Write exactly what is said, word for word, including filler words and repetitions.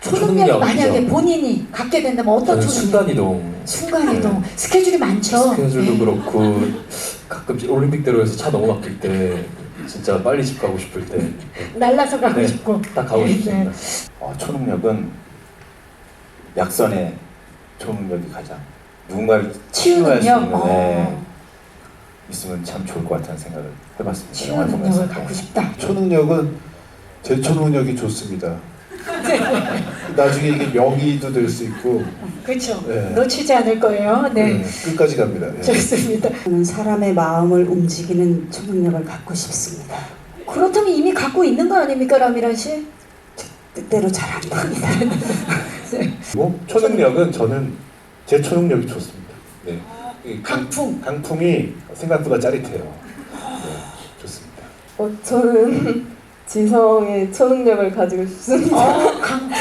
초능력이 초능력, 만약에 그죠? 본인이 갖게 된다면 어떤 저는 초능력? 순간이동. 순간이동. 네. 스케줄이 많죠. 스케줄도 네. 그렇고 가끔 올림픽대로에서 차 너무 막힐 때 진짜 빨리 집 가고 싶을 때 날라서 가고 네, 싶고. 딱 가고 네, 싶습니다. 어, 초능력은 약선의 초능력이 가장 누군가를 치유할 수 치유능력. 있는 어. 네, 있으면 참 좋을 것 같다는 생각을 해봤습니다. 치유 영화를 보면서. 능력을 갖고 싶다. 초능력은 제 초능력이 좋습니다. 나중에 이게 명의도 될 수 있고 그렇죠. 네. 놓치지 않을 거예요. 네. 네, 끝까지 갑니다. 네. 좋습니다. 저는 사람의 마음을 움직이는 초능력을 갖고 싶습니다. 그렇다면 이미 갖고 있는 거 아닙니까, 라미란 씨? 뜻대로 잘 안 됩니다. 뭐 초능력은 저는 제 초능력이 좋습니다. 네. 이 강, 강풍. 강풍이 생각보다 짜릿해요. 네, 좋습니다. 어, 저는 지성의 초능력을 가지고 싶습니다. 어, 강풍.